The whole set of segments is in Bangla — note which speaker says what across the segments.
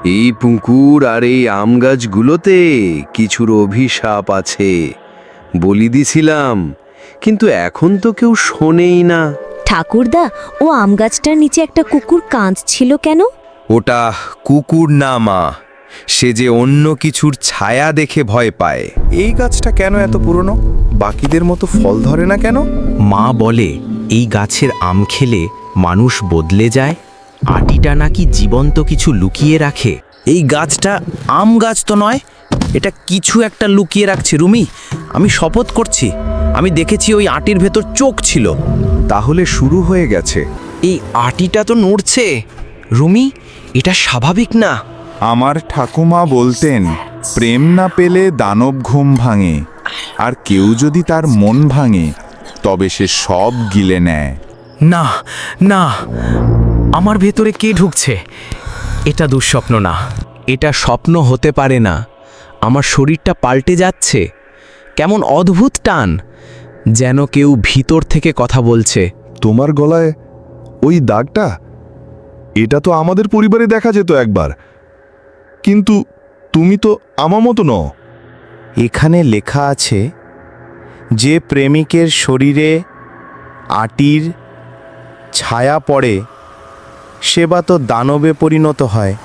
Speaker 1: এই পুকুর আর এই আম গাছগুলোতে কিছুর অভিশাপ আছে বলি দিছিলাম, কিন্তু এখন তো কেউ শোনেই না।
Speaker 2: ঠাকুরদা, ও আম গাছটার নিচে একটা কুকুর কাঁদছিল কেন?
Speaker 3: ওটা কুকুর না মা, সে যে অন্য কিছুর ছায়া দেখে ভয় পায়।
Speaker 4: এই গাছটা কেন এত পুরনো? বাকিদের মতো ফল ধরে না কেন?
Speaker 5: মা বলে এই গাছের আম খেলে মানুষ বদলে যায়। আটিটা নাকি জীবন্ত কিছু লুকিয়ে রাখে।
Speaker 6: এই গাছটা আম গাছ তো নয়, এটা কিছু একটা লুকিয়ে রাখছে রুমি। আমি শপথ করছি, আমি দেখেছি ওই আটির ভেতর চোখ ছিল।
Speaker 4: তাহলে শুরু হয়ে গেছে।
Speaker 5: এই আটিটা তো নড়ছে রুমি, এটা স্বাভাবিক না।
Speaker 4: আমার ঠাকুমা বলতেন, প্রেম না পেলে দানব ঘুম ভাঙে, আর কেউ যদি তার মন ভাঙে তবে সে সব গিলে নেয়।
Speaker 5: না না, আমার ভেতরে কে ঢুকছে? এটা দুঃস্বপ্ন না, এটা স্বপ্ন হতে পারে না। আমার শরীরটা পাল্টে যাচ্ছে, কেমন অদ্ভুত টান, যেন কেউ ভিতর থেকে কথা বলছে।
Speaker 7: তোমার গলায় ওই দাগটা, এটা তো আমাদের পরিবারে দেখা যেত একবার, কিন্তু তুমি তো আমার মতো নও।
Speaker 4: এখানে লেখা আছে, যে প্রেমিকের শরীরে আটির ছায়া পড়ে সে বা তো দানবে পরিণত হয়,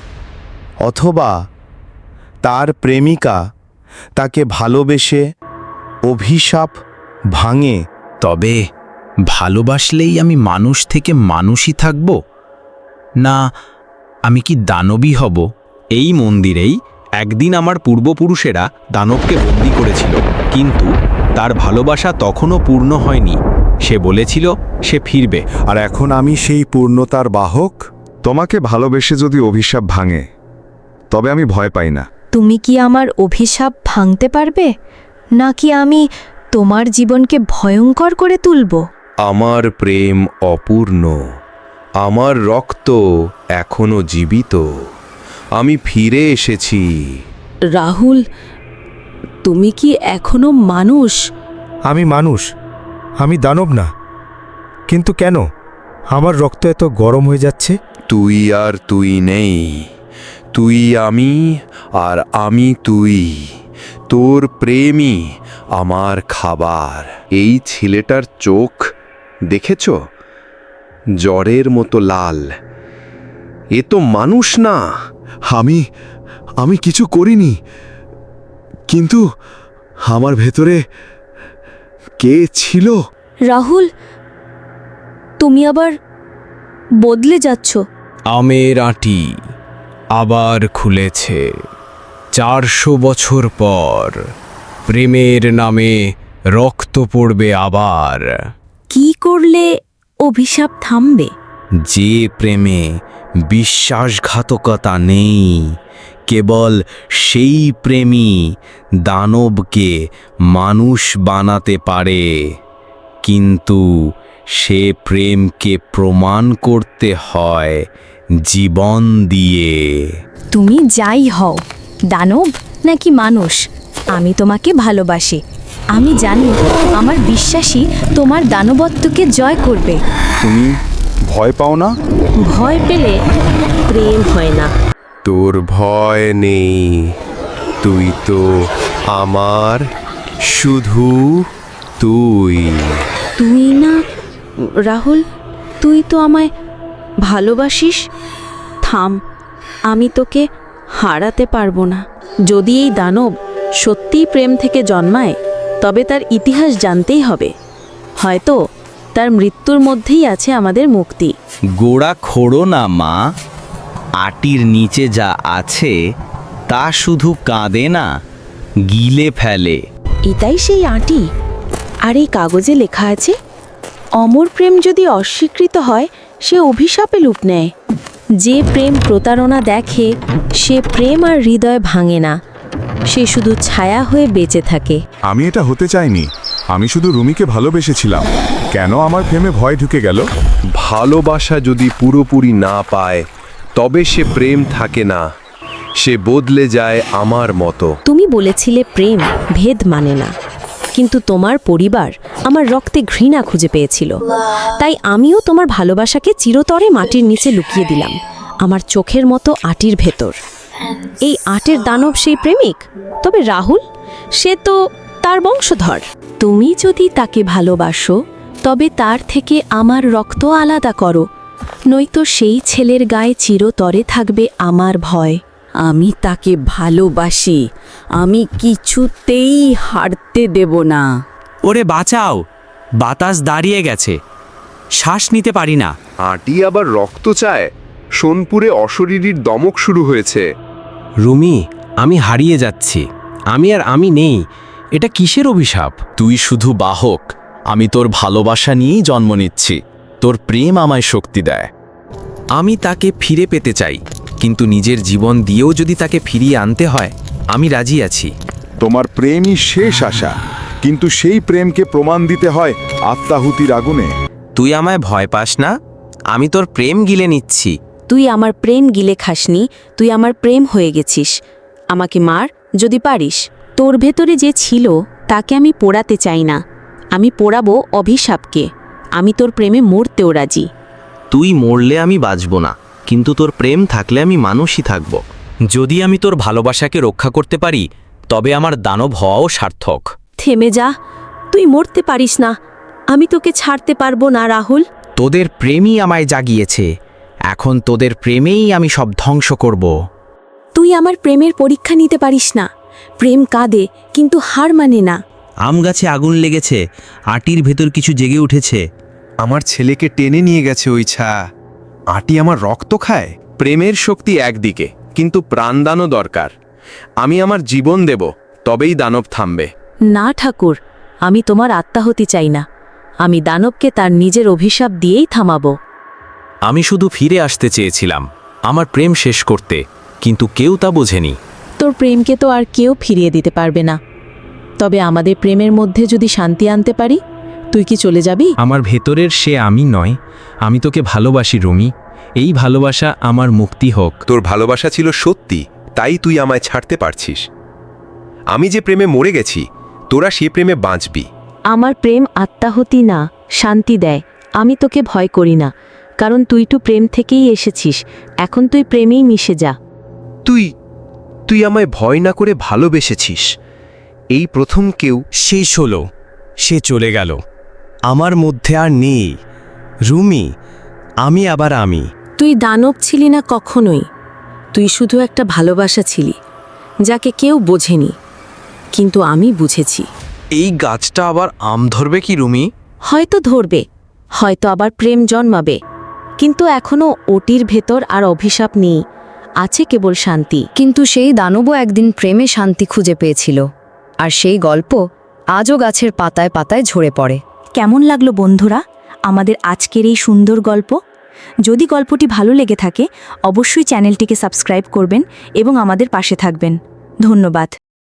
Speaker 4: অথবা তার প্রেমিকা তাকে ভালোবেসে অভিশাপ ভাঙে।
Speaker 5: তবে ভালোবাসলেই আমি মানুষ থেকে মানুষই থাকব, না আমি কি দানবী হব? এই মন্দিরেই একদিন আমার পূর্বপুরুষেরা দানবকে বন্দি করেছিল, কিন্তু তার ভালোবাসা তখনও পূর্ণ হয়নি। সে বলেছিল সে ফিরবে।
Speaker 4: আর এখন আমি সেই পূর্ণতার বাহক।
Speaker 7: তোমাকে ভালোবেসে যদি অভিশাপ ভাঙে তবে আমি ভয় পাই না।
Speaker 2: তুমি কি আমার অভিশাপ ভাঙতে পারবে, নাকি আমি তোমার জীবনকে ভয়ঙ্কর করে তুলব?
Speaker 1: আমার প্রেম অপূর্ণ, আমার রক্ত এখনো জীবিত, আমি ফিরে এসেছি।
Speaker 8: রাহুল, তুমি কি এখনো মানুষ?
Speaker 9: আমি মানুষ, আমি দানব না। কিন্তু কেন আমার রক্ত এত গরম হয়ে যাচ্ছে?
Speaker 1: তুই আর তুই নেই, তুই আমি আর আমি তুই। তোর প্রেমই আমার খাবার। এই ছেলেটার চোখ দেখেছ, জ্বরের মতো লাল। এ তো মানুষ না।
Speaker 7: আমি কিছু করিনি, কিন্তু আমার ভেতরে কে ছিল?
Speaker 2: রাহুল, তুমি আবার বদলে যাচ্ছ।
Speaker 5: আমের আঁটি আবার খুলেছে 400 বছর পর। প্রেমের নামে রক্ত পড়বে আবার।
Speaker 2: কি করলে অভিশাপ থামবে?
Speaker 5: যে প্রেমে বিশ্বাসঘাতকতা নেই, কেবল সেই প্রেমই দানবকে মানুষ বানাতে পারে। কিন্তু সে প্রেমকে প্রমাণ করতে হয় জীবন দিয়ে।
Speaker 2: তুমি যাই হও, দানব নাকি মানুষ, আমি তোমাকে ভালোবাসি। আমি জানি আমার বিশ্বাসই তোমার দানবত্বকে জয় করবে।
Speaker 4: তুমি ভয় পাও না?
Speaker 8: ভয় পেলে প্রেম হয় না।
Speaker 1: তোর ভয় নেই, তুই তো আমার, শুধু তুই।
Speaker 8: তুই না রাহুল, তুই তো আমায় ভালোবাসিস। থাম, আমি তোকে হারাতে পারবো না। যদি এই দানব সত্যিই প্রেম থেকে জন্মায়, তবে তার ইতিহাস জানতেই হবে। হয়তো তার মৃত্যুর মধ্যেই আছে আমাদের মুক্তি।
Speaker 6: গোড়া খোড়ো না মা, আটির নিচে যা আছে তা শুধু কাঁদে না, গিলে ফেলে।
Speaker 8: এটাই সেই আঁটি। আর এই কাগজে লেখা আছে, অমর প্রেম যদি অস্বীকৃত হয় সে অভিশাপে রূপ নেয়। যে প্রেম প্রতারণা দেখে সে প্রেম আর হৃদয় ভাঙে না, সে শুধু ছায়া হয়ে বেঁচে থাকে।
Speaker 4: আমি এটা হতে চাইনি। আমি শুধু রুমিকে ভালোবেসেছিলাম। কেন আমার প্রেমে ভয় ঢুকে গেল?
Speaker 1: ভালোবাসা যদি পুরোপুরি না পায় তবে সে প্রেম থাকে না, সে বদলে যায় আমার মতো।
Speaker 8: তুমি বলেছিলে প্রেম ভেদ মানে না, কিন্তু তোমার পরিবার আমার রক্তে ঘৃণা খুঁজে পেয়েছিল। তাই আমিও তোমার ভালোবাসাকে চিরতরে মাটির নিচে লুকিয়ে দিলাম। আমার চোখের মতো আটির ভেতর। এই আটের দানব সেই প্রেমিক, তবে রাহুল সে তো তার বংশধর।
Speaker 2: তুমি যদি তাকে ভালোবাসো তবে তার থেকে আমার রক্ত আলাদা করো, নয়তো সেই ছেলের গায়ে চিরতরে থাকবে আমার ভয়।
Speaker 8: আমি তাকে ভালোবাসি, আমি কিছুতেই হারতে দেব না।
Speaker 5: ওরে বাঁচাও, বাতাস দাঁড়িয়ে গেছে, শ্বাস নিতে পারি না।
Speaker 1: আটি আবার রক্ত চায়, সোনপুরে অশরীরীর দমক শুরু হয়েছে।
Speaker 5: রুমি, আমি হারিয়ে যাচ্ছি, আমি আর আমি নেই। এটা কিসের অভিশাপ?
Speaker 3: তুই শুধু বাহক, আমি তোর ভালোবাসা নিয়েই জন্ম নিচ্ছি। তোর প্রেম আমায় শক্তি দেয়।
Speaker 5: আমি তাকে ফিরে পেতে চাই, কিন্তু নিজের জীবন দিয়েও যদি তাকে ফিরিয়ে আনতে হয়, আমি রাজি আছি।
Speaker 4: তোমার প্রেমই শেষ আশা, কিন্তু সেই প্রেমকে প্রমাণ দিতে হয় আত্মাহুতির আগুনে।
Speaker 5: তুই আমায় ভয় পাস না, আমি তোর প্রেম গিলে নিচ্ছি।
Speaker 8: তুই আমার প্রেম গিলে খাসনি, তুই আমার প্রেম হয়ে গেছিস। আমাকে মার যদি পারিস। তোর ভেতরে যে ছিল তাকে আমি পোড়াতে চাই না, আমি পোড়াবো অভিশাপকে। আমি তোর প্রেমে মরতেও রাজি।
Speaker 5: তুই মরলে আমি বাঁচব না, কিন্তু তোর প্রেম থাকলে আমি মানুষই থাকব। যদি আমি তোর ভালোবাসাকে রক্ষা করতে পারি, তবে আমার দানব হওয়াও সার্থক।
Speaker 8: থেমে যা, তুই মরতে পারিস না, আমি তোকে ছাড়তে পারবো না রাহুল।
Speaker 5: তোদের প্রেমই আমায় জাগিয়েছে, এখন তোদের প্রেমেই আমি সব ধ্বংস করব।
Speaker 8: তুই আমার প্রেমের পরীক্ষা নিতে পারিস না। প্রেম কাঁদে কিন্তু হার মানে না।
Speaker 5: আম গাছে আগুন লেগেছে, আটির ভেতর কিছু জেগে উঠেছে।
Speaker 3: আমার ছেলেকে টেনে নিয়ে গেছে ওই ছা। আটি আমার রক্ত খায়।
Speaker 1: প্রেমের শক্তি একদিকে, কিন্তু প্রাণদানও দরকার। আমি আমার জীবন দেব, তবেই দানব থামবে।
Speaker 2: না ঠাকুর, আমি তোমার আত্মাহুতি চাই না, আমি দানবকে তার নিজের অভিশাপ দিয়েই থামাবো।
Speaker 5: আমি শুধু ফিরে আসতে চেয়েছিলাম আমার প্রেম শেষ করতে, কিন্তু কেউ তা বোঝেনি।
Speaker 2: তোর প্রেমকে তো আর কেউ ফিরিয়ে দিতে পারবে না, তবে আমাদের প্রেমের মধ্যে যদি শান্তি আনতে পারি, তুই কি চলে যাবি?
Speaker 5: আমার ভেতরের সে আমি নয়, আমি তোকে ভালোবাসি রুমি। এই ভালোবাসা আমার মুক্তি হোক।
Speaker 3: তোর ভালোবাসা ছিল সত্যি, তাই তুই আমায় ছাড়তে পারছিস। আমি যে প্রেমে মরে গেছি, তোরা সে প্রেমে বাঁচবি।
Speaker 2: আমার প্রেম আত্মাহুতি না, শান্তি দেয়। আমি তোকে ভয় করি না, কারণ তুই তো প্রেম থেকেই এসেছিস। এখন তুই প্রেমেই মিশে যা।
Speaker 3: তুই আমায় ভয় না করে ভালোবেসেছিস। এই প্রথম কেউ।
Speaker 5: শেষ হলো, সে চলে গেল, আমার মধ্যে আর নেই। রুমি, আমি আবার আমি।
Speaker 8: তুই দানব ছিলি না কখনোই, তুই শুধু একটা ভালোবাসা ছিলি যাকে কেউ বোঝেনি, কিন্তু আমি বুঝেছি।
Speaker 5: এই গাছটা আবার আম ধরবে কি রুমি?
Speaker 8: হয়তো ধরবে, হয়তো আবার প্রেম জন্মাবে, কিন্তু এখনো ওটির ভেতর আর অভিশাপ নেই, আছে কেবল শান্তি।
Speaker 2: কিন্তু সেই দানবও একদিন প্রেমে শান্তি খুঁজে পেয়েছিল, আর সেই গল্প আজও গাছের পাতায় পাতায় ঝরে পড়ে। কেমন লাগলো বন্ধুরা আমাদের আজকের এই সুন্দর গল্প? যদি গল্পটি ভালো লেগে থাকে, অবশ্যই চ্যানেলটিকে সাবস্ক্রাইব করবেন এবং আমাদের পাশে থাকবেন। ধন্যবাদ।